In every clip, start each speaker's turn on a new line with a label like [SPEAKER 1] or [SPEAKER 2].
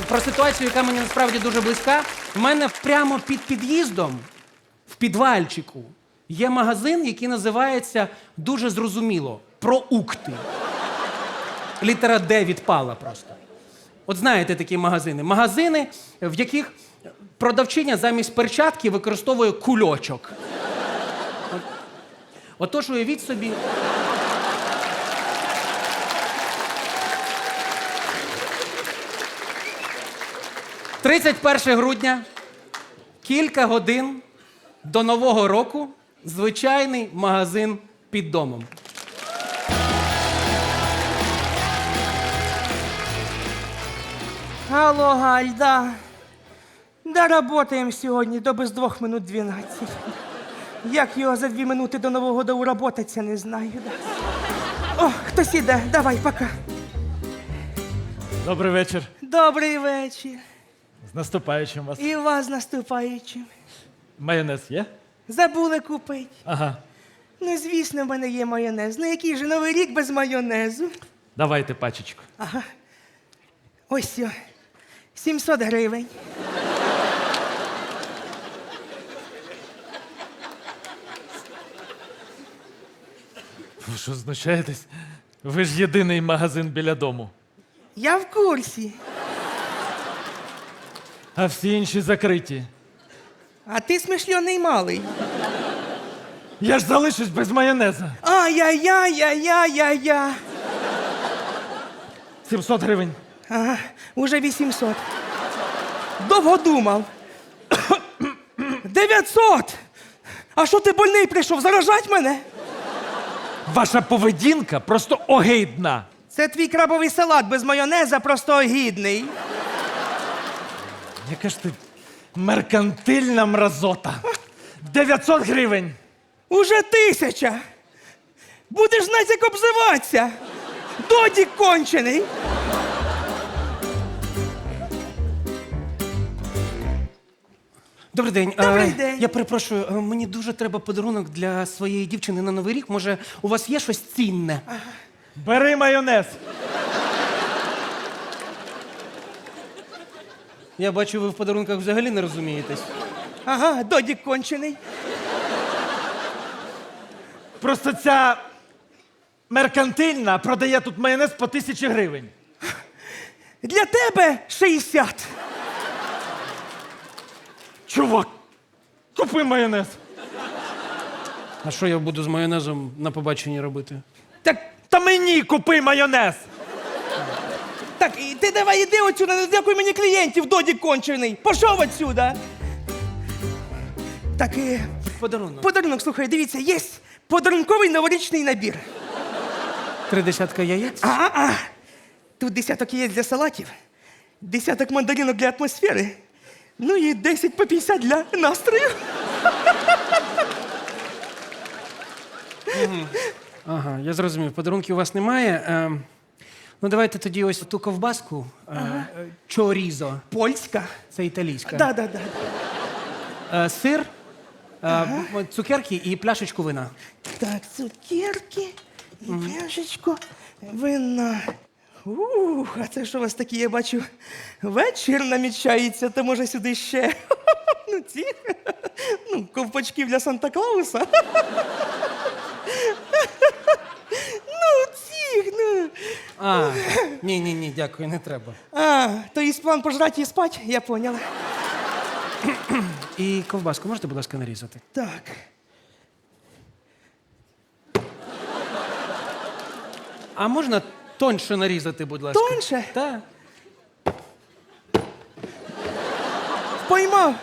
[SPEAKER 1] про ситуацію, яка мені насправді дуже близька. У мене прямо під під'їздом, в підвальчику, є магазин, який називається дуже зрозуміло «Проукти». Літера «Д» відпала просто. От знаєте такі магазини. Магазини, в яких продавчиня замість перчатки використовує кульочок. Отож, уявіть собі. – 31 грудня, кілька годин до Нового року, звичайний магазин під домом.
[SPEAKER 2] Алло, Галь, да. Да, работаем сьогодні до без 2 минут 12. Як його за 2 минути до Нового року уработаться, не знаю. Да. О, хтось іде, давай, пока.
[SPEAKER 3] Добрий вечір.
[SPEAKER 2] Добрий вечір.
[SPEAKER 3] З наступаючим вас.
[SPEAKER 2] І вас з наступаючим.
[SPEAKER 3] Майонез є?
[SPEAKER 2] Забули купити.
[SPEAKER 3] Ага.
[SPEAKER 2] Ну, звісно, в мене є майонез. Ну, який же Новий рік без майонезу?
[SPEAKER 3] Давайте пачечку.
[SPEAKER 2] Ага. Ось о. 700 гривень.
[SPEAKER 3] Ви що, знущаєтесь? Ви ж єдиний магазин біля дому.
[SPEAKER 2] Я в курсі.
[SPEAKER 3] А всі інші закриті.
[SPEAKER 2] А ти смишльоний малий.
[SPEAKER 3] Я ж залишусь без майонеза.
[SPEAKER 2] Ай-яй-яй-яй-яй-яй-яй.
[SPEAKER 3] 700 гривень.
[SPEAKER 2] Ага, уже 800. Довго думав. 900! А що ти больний прийшов? Заражать мене?
[SPEAKER 3] Ваша поведінка просто огидна.
[SPEAKER 2] Це твій крабовий салат без майонеза просто огідний.
[SPEAKER 3] Яка ж ти меркантильна мразота. 900 гривень.
[SPEAKER 2] Уже 1000. Будеш знати, як обзиватися. Додік кончений.
[SPEAKER 1] Добрий день.
[SPEAKER 2] Добрий день.
[SPEAKER 1] Я перепрошую, мені дуже треба подарунок для своєї дівчини на Новий рік. Може, у вас є щось цінне?
[SPEAKER 3] Бери майонез.
[SPEAKER 1] Я бачу, ви в подарунках взагалі не розумієтесь.
[SPEAKER 2] Ага, додік кончений.
[SPEAKER 3] Просто ця меркантильна продає тут майонез по 1000 гривень.
[SPEAKER 2] Для тебе 60.
[SPEAKER 3] Чувак, купи майонез.
[SPEAKER 1] А що я буду з майонезом на побаченні робити?
[SPEAKER 3] Так, та мені купи майонез.
[SPEAKER 2] Так, і ти давай іди отсюда, не дякуй мені клієнтів, додік кончений. Пішов отсюда. Так,
[SPEAKER 1] Подарунок.
[SPEAKER 2] подарунок, слухай, дивіться, є подарунковий новорічний набір.
[SPEAKER 1] 3 десятка яєць.
[SPEAKER 2] Тут 10 яєць для салатів, 10 мандаринок для атмосфери, ну і 10 по 50 для настрою.
[SPEAKER 1] Ага, я зрозумів. Подарунків у вас немає. Ну, давайте тоді ось ту ковбаску. Чорізо.
[SPEAKER 2] Польська.
[SPEAKER 1] Це італійська.
[SPEAKER 2] Да.
[SPEAKER 1] Сир, цукерки і пляшечку вина.
[SPEAKER 2] Так, цукерки і пляшечку вина. А це що у вас такі, я бачу, вечір намічається, то може сюди ще, ну, ці, ну, ковпачків для Санта-Клауса. Ну, ці, ну.
[SPEAKER 1] Ні, дякую, не треба.
[SPEAKER 2] То є план пожрати і спати, я поняла.
[SPEAKER 1] І ковбаску можете, будь ласка, нарізати?
[SPEAKER 2] Так.
[SPEAKER 1] А можна тоньше нарізати, будь ласка?
[SPEAKER 2] Тоньше?
[SPEAKER 1] Так.
[SPEAKER 2] Поймав.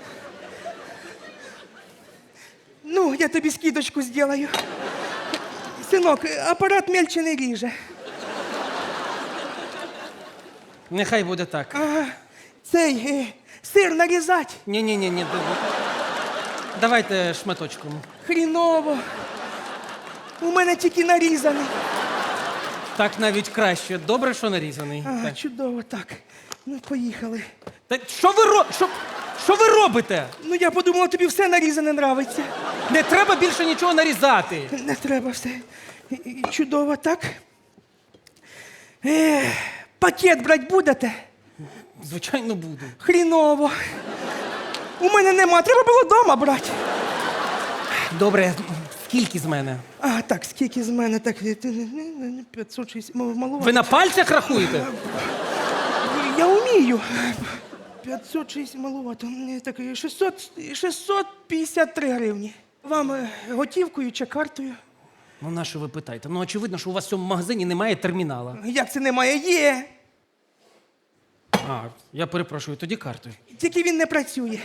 [SPEAKER 2] Ну, я тобі скидочку зроблю. Синок, апарат мельче не ріже.
[SPEAKER 1] Нехай буде так.
[SPEAKER 2] Цей сир нарізати.
[SPEAKER 1] Ні. Давайте шматочком.
[SPEAKER 2] Хріново. У мене тільки нарізаний.
[SPEAKER 1] Так навіть краще. Добре, що нарізаний. Так.
[SPEAKER 2] Чудово, так. Ну, поїхали.
[SPEAKER 1] Та що ви робите?
[SPEAKER 2] Ну, я подумала, тобі все нарізане нравиться.
[SPEAKER 1] Не треба більше нічого нарізати.
[SPEAKER 2] Не треба все. Чудово, так. Пакет брати будете?
[SPEAKER 1] Звичайно, буду.
[SPEAKER 2] Хріново. У мене нема, треба було дома брати.
[SPEAKER 1] Добре, скільки з мене?
[SPEAKER 2] А, так, скільки з мене? Так, 560, малувати.
[SPEAKER 1] Ви на пальцях рахуєте?
[SPEAKER 2] Я вмію. 560 малувати. Так, 653 гривні. Вам готівкою чи картою?
[SPEAKER 1] Ну, на що ви питаєте? Ну, очевидно, що у вас в цьому магазині немає термінала.
[SPEAKER 2] Як це немає? Є.
[SPEAKER 1] А, я перепрошую, тоді картою.
[SPEAKER 2] Тільки він не працює.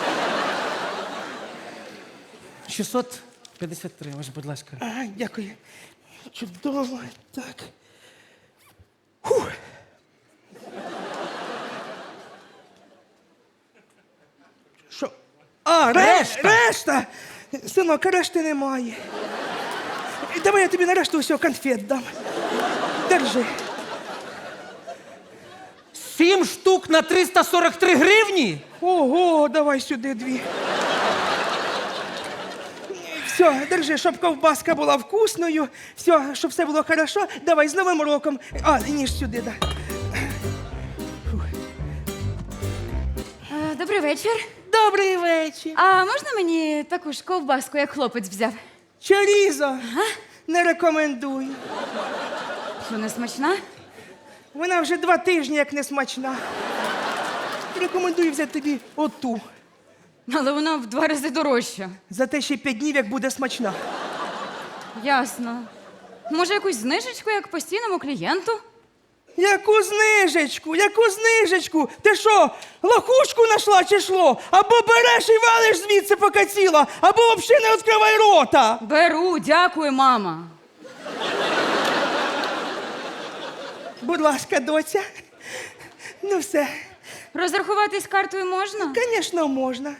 [SPEAKER 1] 653, ось, будь ласка.
[SPEAKER 2] Ага, дякую. Чудово. Так. Фух. Що? А,
[SPEAKER 1] Решта!
[SPEAKER 2] Решта! Синок, решти немає. Давай я тобі на решту усього конфет дам. Держи.
[SPEAKER 1] 7 штук на 343 гривні?
[SPEAKER 2] Ого, давай сюди 2. Все, держи, щоб ковбаска була вкусною. Все, щоб все було хорошо. Давай з Новим роком. А, ніж сюди, да.
[SPEAKER 4] Добрий вечір.
[SPEAKER 2] Добрий вечір.
[SPEAKER 4] А можна мені таку ж ковбаску, як хлопець взяв?
[SPEAKER 2] Чорізо. Не рекомендую.
[SPEAKER 4] Що, не смачна?
[SPEAKER 2] Вона вже 2 тижні як не смачна. Рекомендую взяти тобі оту.
[SPEAKER 4] Але вона в 2 рази дорожча.
[SPEAKER 2] Зате ще 5 днів, як буде смачна.
[SPEAKER 4] Ясно. Може, якусь знижечку, як постійному клієнту?
[SPEAKER 2] Яку знижечку? Яку знижечку? Ти що, лохушку нашла чи що? Або береш і валиш звідси поки ціла, або взагалі не відкривай рота.
[SPEAKER 4] Беру, дякую, мама.
[SPEAKER 2] Будь ласка, доця. Ну все,
[SPEAKER 4] Розрахуватись картою можна?
[SPEAKER 2] звісно, можна.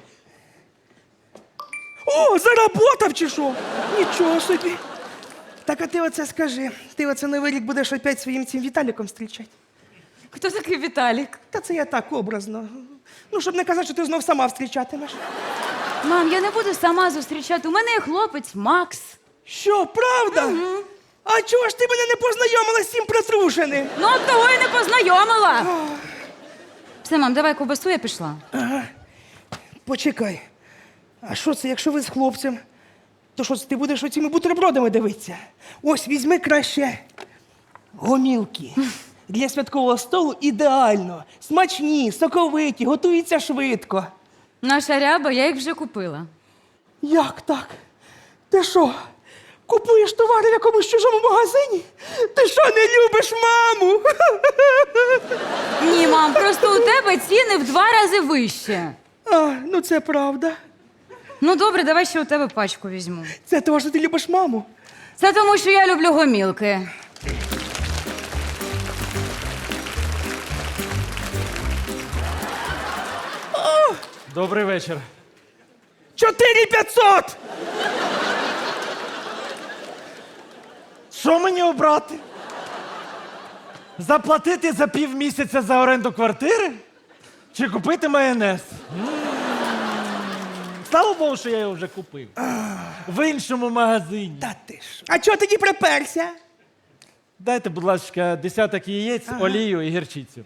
[SPEAKER 2] О, заработав чи що? Нічого собі. Так, а ти оце скажи. Ти оце Новий рік будеш опять своїм цим Віталіком зустрічати?
[SPEAKER 4] Хто такий Віталік?
[SPEAKER 2] Та це я так образно. Ну, щоб не казати, що ти знов сама зустрічатимеш.
[SPEAKER 4] Мам, я не буду сама зустрічати. У мене є хлопець Макс.
[SPEAKER 2] Що, правда? А чого ж ти мене не познайомила з цим протрушеним?
[SPEAKER 4] Ну, от того і не познайомила. Все, мам, давай ковбасу, я пішла.
[SPEAKER 2] Почекай. А що це, якщо ви з хлопцем? То що це, ти будеш оціми бутербродами дивитися? Ось, візьми краще гомілки. Для святкового столу ідеально. Смачні, соковиті, готуються швидко.
[SPEAKER 4] Наша ряба, я їх вже купила.
[SPEAKER 2] Як так? Ти що, купуєш товари в якомусь чужому магазині? Ти що, не любиш маму?
[SPEAKER 4] Ні, мам, просто у тебе ціни в 2 рази вище.
[SPEAKER 2] А, ну це правда.
[SPEAKER 4] Ну добре, давай ще у тебе пачку візьму.
[SPEAKER 2] Це того, що ти любиш маму.
[SPEAKER 4] Це тому, що я люблю гомілки.
[SPEAKER 3] Добрий вечір.
[SPEAKER 2] 4500!
[SPEAKER 3] Що мені обрати? Заплатити за півмісяця за оренду квартири? Чи купити майонез? Слава Богу, що я його вже купив. В іншому магазині.
[SPEAKER 2] Та ти що? А чого тоді приперся?
[SPEAKER 3] Дайте, будь ласка, десяток яєць, олію і гірчицю.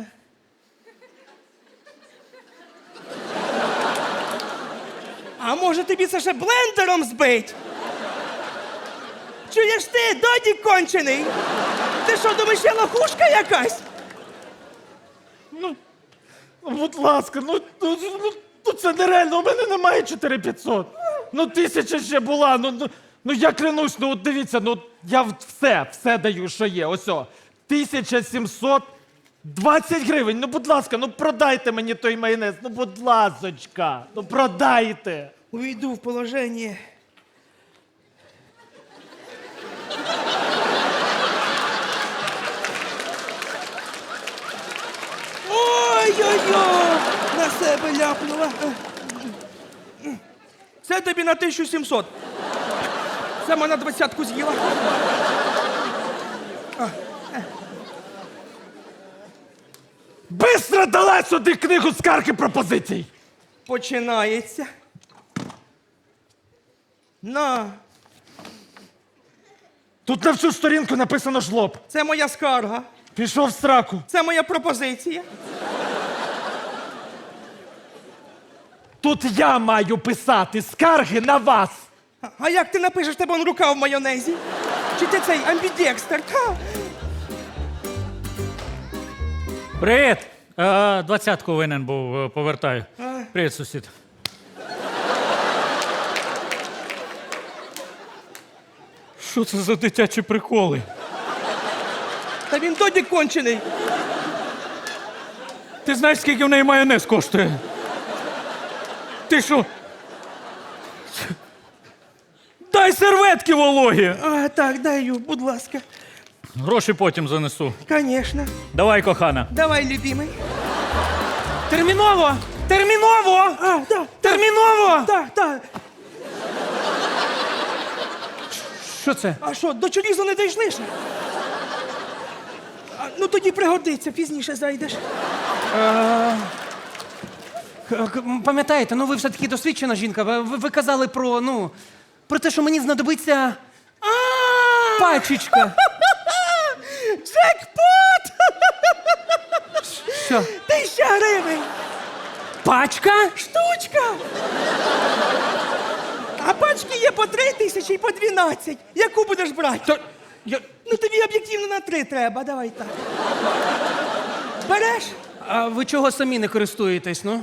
[SPEAKER 2] А може тобі це ще блендером збить? Чуєш ти, додік кончений? Ти що, думаєш, я лохушка якась?
[SPEAKER 3] Ну, будь ласка, ну це нереально, у мене немає 4500. Ну, 1000 ще була, ну я клянусь, ну от дивіться, ну я все даю, що є, ось о. 1720 гривень, ну будь ласка, ну продайте мені той майонез, ну будь ласочка, ну продайте.
[SPEAKER 2] Увійду в положення. Ой-ой-ой! На себе ляпнула. Це тобі на 1700. Сама на 20-ку з'їла.
[SPEAKER 3] Бистро дала сюди книгу скарг і пропозицій.
[SPEAKER 2] Починається. На,
[SPEAKER 3] Тут на всю сторінку написано жлоб.
[SPEAKER 2] це моя скарга.
[SPEAKER 3] Пішов в сраку.
[SPEAKER 2] Це моя пропозиція.
[SPEAKER 3] Тут я маю писати скарги на вас.
[SPEAKER 2] А як ти напишеш, тебе он рука в майонезі? Чи ти цей амбідекстер? Ха!
[SPEAKER 5] Привіт! 20-ку винен був, повертаю. Привіт, сусід. Що це за дитячі приколи?
[SPEAKER 2] Та він додік кончений.
[SPEAKER 5] Ти знаєш, скільки в неї майонез коштує? Ти що? Дай серветки вологі!
[SPEAKER 2] А, так, даю, будь ласка.
[SPEAKER 5] Гроші потім занесу.
[SPEAKER 2] Конечно.
[SPEAKER 5] Давай, кохана.
[SPEAKER 2] Давай, любимий.
[SPEAKER 1] Терміново! Терміново!
[SPEAKER 2] А, так,
[SPEAKER 1] Терміново!
[SPEAKER 2] так, так.
[SPEAKER 1] Що це?
[SPEAKER 2] А що, до чолізу не дійшли ще? Ну тоді пригодиться, пізніше зайдеш.
[SPEAKER 1] Пам'ятаєте, ну ви все-таки досвідчена жінка. Ви казали про, ну, про те, що мені знадобиться пачечка.
[SPEAKER 2] Джекпот!
[SPEAKER 1] Що?
[SPEAKER 2] 1000 гривень!
[SPEAKER 1] Пачка?
[SPEAKER 2] Штучка! А пачки є по 3000 і по 12. Яку будеш брати?
[SPEAKER 1] То, я,
[SPEAKER 2] Ну тобі об'єктивно на 3 треба, давай так. Береш?
[SPEAKER 1] а ви чого самі не користуєтесь, ну?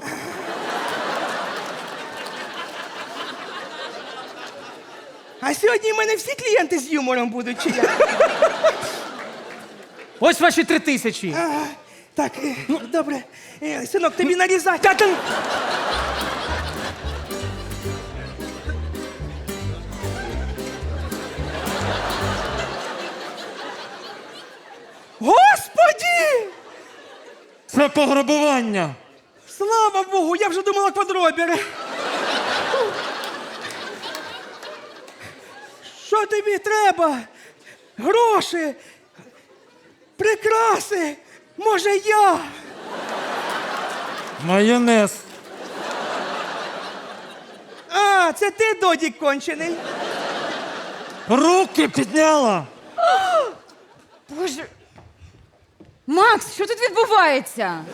[SPEAKER 2] А сьогодні в мене всі клієнти з юмором будуть, чи як?
[SPEAKER 1] Ось ваші 3000.
[SPEAKER 2] Ага. Так, ну, добре. Синок, тобі нарізати.
[SPEAKER 1] Та там...
[SPEAKER 2] Господі!
[SPEAKER 3] Це пограбування.
[SPEAKER 2] Слава Богу, я вже думала квадробери. Що тобі треба? Гроші, прикраси, може я?
[SPEAKER 3] Майонез.
[SPEAKER 2] А, це ти, додік кончений.
[SPEAKER 3] Руки підняла.
[SPEAKER 4] Боже. Макс, що тут відбувається?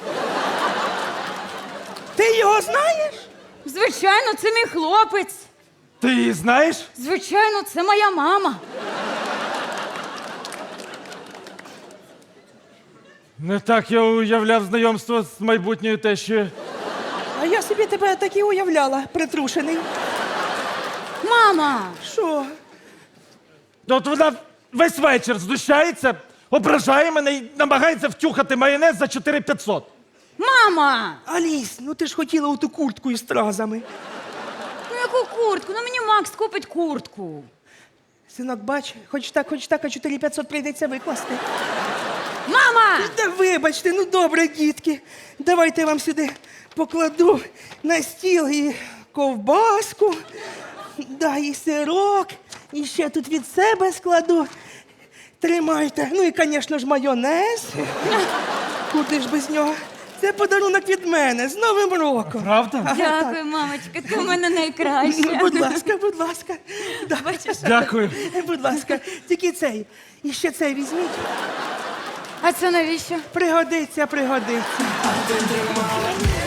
[SPEAKER 2] Ти його знаєш?
[SPEAKER 4] Звичайно, це мій хлопець.
[SPEAKER 3] Ти її знаєш?
[SPEAKER 4] Звичайно, це моя мама.
[SPEAKER 3] Не так я уявляв знайомство з майбутньою тещою.
[SPEAKER 2] А я собі тебе так і уявляла, притрушений.
[SPEAKER 4] Мама!
[SPEAKER 2] Що?
[SPEAKER 3] От вона весь вечір знущається, ображає мене і намагається втюхати майонез за 4500.
[SPEAKER 4] Мама!
[SPEAKER 2] Аліс, ну ти ж хотіла оту куртку із стразами.
[SPEAKER 4] Ну яку куртку? Ну мені Макс купить куртку.
[SPEAKER 2] Синок, бач, хоч так, а 4500 прийдеться викласти.
[SPEAKER 4] Мама!
[SPEAKER 2] Та вибачте, ну добре, дітки. Давайте я вам сюди покладу на стіл і ковбаску, да, і сирок, і ще тут від себе складу. Тримайте. Ну і, звісно ж, майонез. Куди ж без нього? Це подарунок від мене з Новим роком.
[SPEAKER 3] Правда?
[SPEAKER 2] Ага, так.
[SPEAKER 4] Дякую, мамочка, ти в мене найкраща.
[SPEAKER 2] Ну, будь ласка, будь ласка. Да.
[SPEAKER 3] Дякую.
[SPEAKER 2] Будь ласка, тільки цей. І ще цей візьміть.
[SPEAKER 4] А це навіщо?
[SPEAKER 2] Пригодиться, пригодиться.